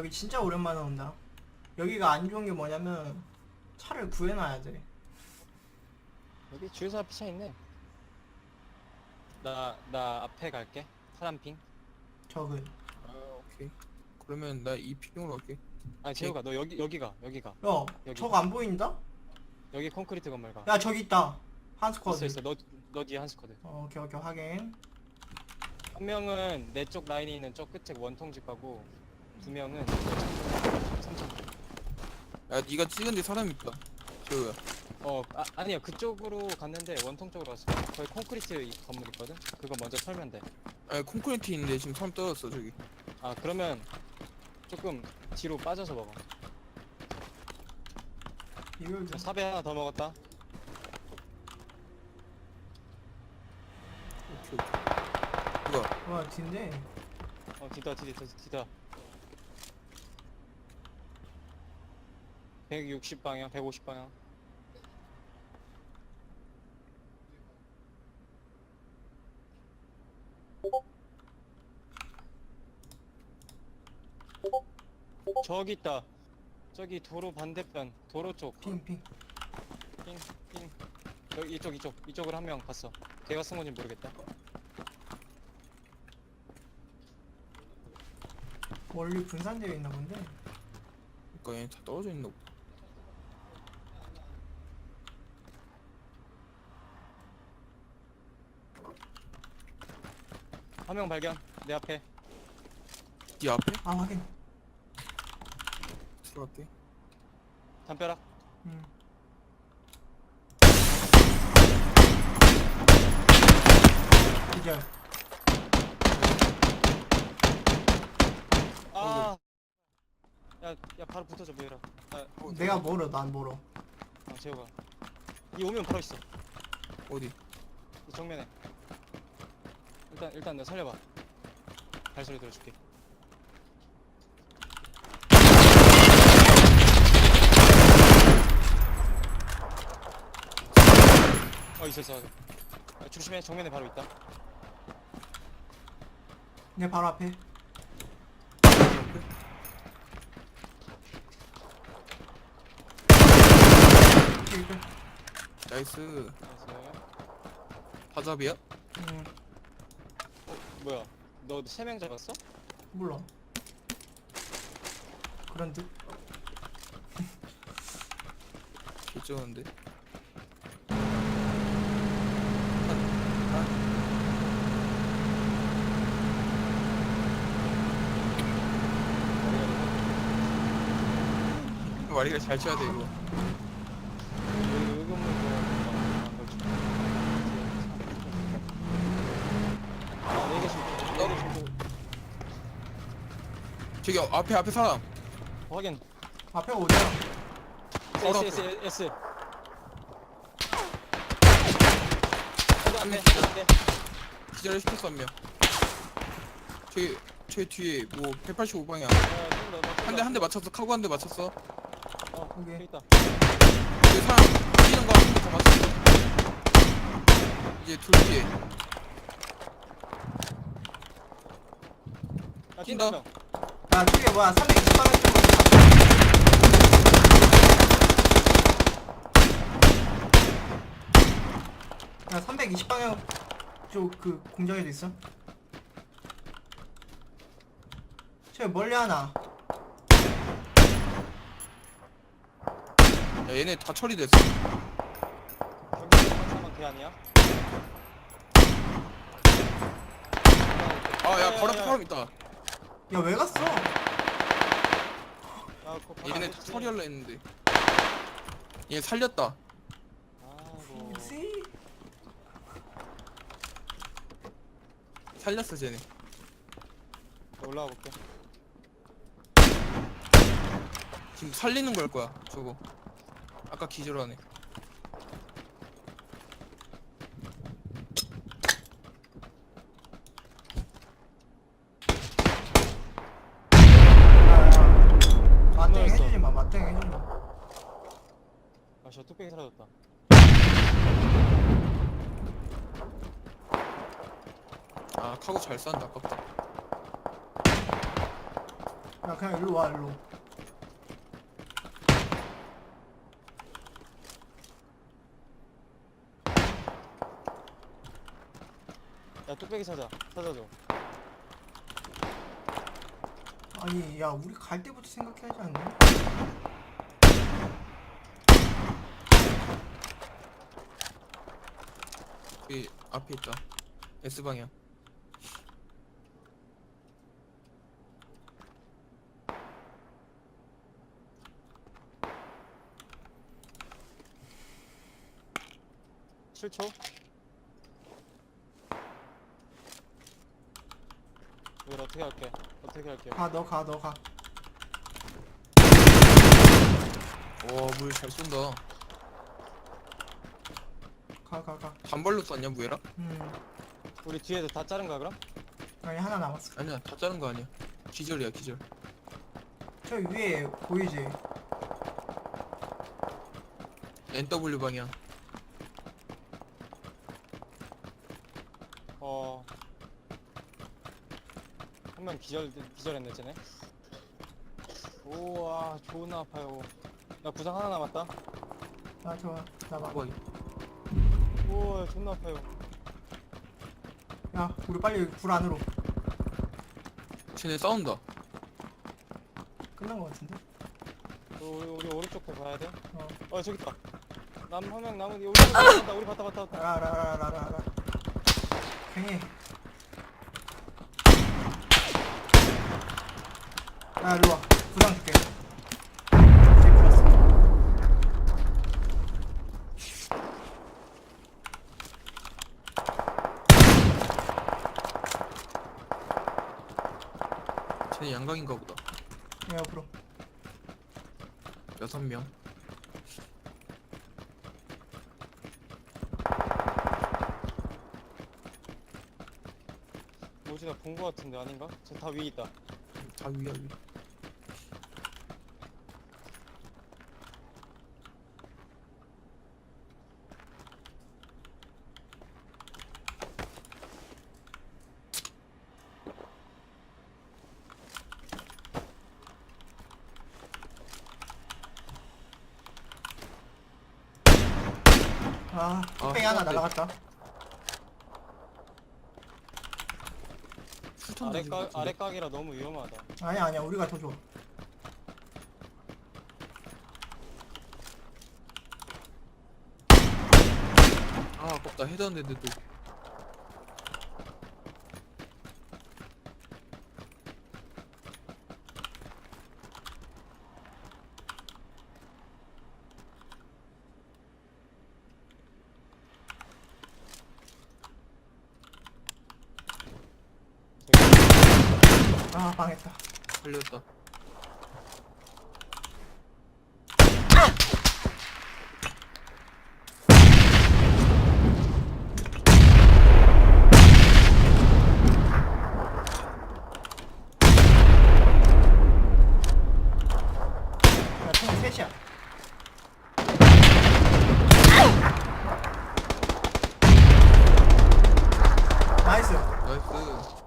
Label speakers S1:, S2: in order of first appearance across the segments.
S1: 여기 진짜 오랜만에 온다. 여기가 안 좋은 게 뭐냐면 차를 구해놔야 돼.
S2: 여기 주유소 앞에 차 있네. 나 앞에 갈게. 파란핑.
S1: 저그.
S3: 아 오케이. 그러면 나 이 핑으로 갈게.
S2: 아니 재호가 너 여기가.
S1: 야,
S2: 여기.
S1: 저거 안 보인다?
S2: 여기 콘크리트 건물 가.
S1: 야, 저기 있다. 한 스쿼드.
S2: 있어. 너 뒤에 한 스쿼드.
S1: 오케이, 오케이, 확인.
S2: 한 명은 내 쪽 라인이 있는 저 끝에 원통집 가고 두 명은 3층.
S3: 야 네가 찍은 데 사람 있다. 저거야.
S2: 아니야 그쪽으로 갔는데 원통 쪽으로 갔어. 거기 콘크리트 건물 있거든. 그거 먼저 털면 돼.
S3: 아 콘크리트 있는데 지금 사람 떨어졌어 저기.
S2: 아 그러면 조금 뒤로 빠져서 먹어.
S1: 이걸 좀.
S2: 사배 하나 더 먹었다.
S3: 오케이 오케이. 뭐야?
S1: 와, 뒤인데.
S2: 뒤다. 160방향, 150방향. 저기 있다. 저기 도로 반대편, 도로 쪽.
S1: 핑.
S2: 핑. 여기 이쪽으로 한 명 갔어. 걔가 쓴 건지 모르겠다.
S1: 멀리 분산되어 있나 본데.
S3: 그러니까 얘 다 떨어져 있나 보다.
S2: 한 명 발견. 내 앞에.
S3: 네 앞에?
S1: 아, 확인.
S3: 들어갈게.
S2: 담벼락.
S1: 기절.
S2: 아. 야 바로 붙어줘 보여라.
S1: 내가 멀어, 난 멀어.
S2: 재호가. 이 오면 바로 있어.
S3: 어디?
S2: 이 정면에. 일단 너 살려봐. 발소리 들어줄게. 있어. 조심해. 정면에 바로 있다.
S1: 내 바로 앞에. 기절.
S3: 나이스.
S2: 나이스.
S3: 바잡이야?
S2: 뭐야? 너 3명 잡았어?
S1: 몰라. 그런 듯.
S3: 개쩌는데. 와리가 잘 쳐야 돼 이거.
S2: 여기 건물
S3: 저기 앞에 사람.
S2: 확인.
S1: 앞에 어디야?
S2: S.
S3: 한 명. 기절을 시켰어 한 명. 저기 뒤에 뭐 185방향. 한 대 맞췄어. 카고 한 대 맞췄어.
S1: 오케이.
S2: 여기 있다.
S3: 저기 사람 뛰는 거 한 대 더 맞췄어. 이제 둘 뒤에. 뛴다.
S1: 야, 저게 뭐야? 320방향 쪽으로. 야, 320방향 쪽 그 공장에도 있어? 저 멀리 하나.
S3: 야 얘네 다 처리됐어.
S2: 경기 상황 걔 아니야?
S3: 아야 바로 앞에 사람 있다.
S1: 야, 왜 갔어?
S3: 얘네 다 처리하려 했는데. 얘 살렸다.
S2: 아이고.
S1: 씨.
S3: 살렸어 쟤네.
S2: 올라가 볼게.
S3: 지금 살리는 걸 거야 저거. 아까 기절하네.
S1: 맞대응 해주지 마, 맞대응 해주지 마.
S2: 저 뚝배기 사라졌다.
S3: 아 카고 잘 싼다 아깝다.
S1: 야 그냥 일로 와 일로.
S2: 야 뚝배기 찾아줘.
S1: 아니 야 우리 갈 때부터 생각해야지 않나?
S3: 여기 앞에 있다. S방향.
S2: (7초) 이걸 어떻게 할게?
S1: 가 너 가.
S3: 물 잘 쏜다.
S1: 가.
S3: 단발로 쐈냐 무에라?
S2: 우리 뒤에서 다 자른 거야 그럼?
S1: 아니 하나 남았어.
S3: 아니야 다 자른 거 아니야. 기절이야 기절.
S1: 저 위에 보이지?
S3: NW 방향.
S2: 한 명 기절했네 쟤네. 우와 존나 아파요. 나 부상 하나 남았다.
S1: 아 좋아. 나 봐.
S3: 뭐
S2: 우와 존나 아파요.
S1: 야 우리 빨리 불 안으로.
S3: 쟤네 싸운다.
S1: 끝난 거 같은데?
S2: 우리 오른쪽 배 봐야 돼.
S1: 어.
S2: 저기 있다. 남 한 명 남은 우리 봤다. 우리 봤다.
S1: 라라라라라라. 괜히. 야 일로 와. 부상 줄게. 이제 풀었어.
S3: 쟤네 양강인가 보다.
S1: 야 옆으로.
S3: 6명.
S2: 뭐지 나 본 거 같은데 아닌가? 저 다 위에 있다.
S3: 다 위야 위.
S1: 아 뚝배기 하나
S3: 해봤대.
S1: 날아갔다.
S3: 술탄 던진 거 같은데.
S2: 아래 각이라 너무 위험하다.
S1: 아니야 우리가 더 좋아.
S3: 아깝다. 헤드 안 됐는데도.
S1: 아 망했다.
S3: 살렸다.
S1: 야 총 셋이야. 나이스.
S3: 나이스.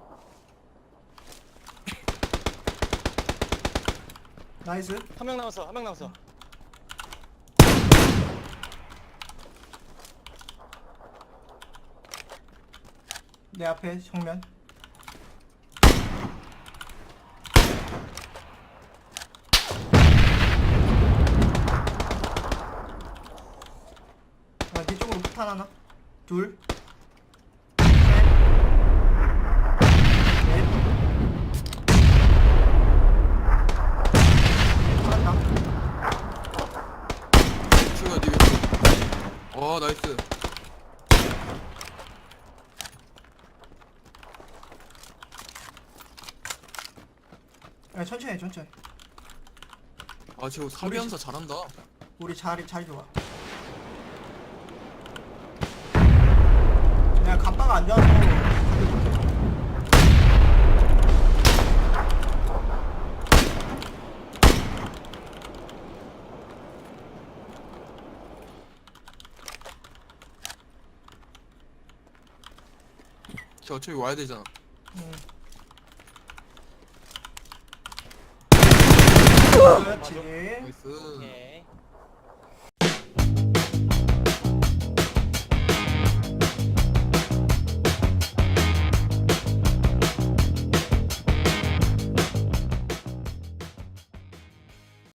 S1: 나이스.
S2: 한 명 남았어.
S1: 내 앞에 정면. 야, 네 쪽으로 폭탄 하나. 둘. 셋. 넷. 살았다.
S3: 추가 니 왼쪽. 와 나이스.
S1: 야, 천천히 해, 천천히.
S3: 아 쟤 사비한사 잘한다.
S1: 우리 자리 잘 좋아. 내가 갑바가 안 좋아서 다들 못해.
S3: 쟤 어차피 와야 되잖아.
S1: 응. 그렇지.
S3: 나이스.
S2: 오케이.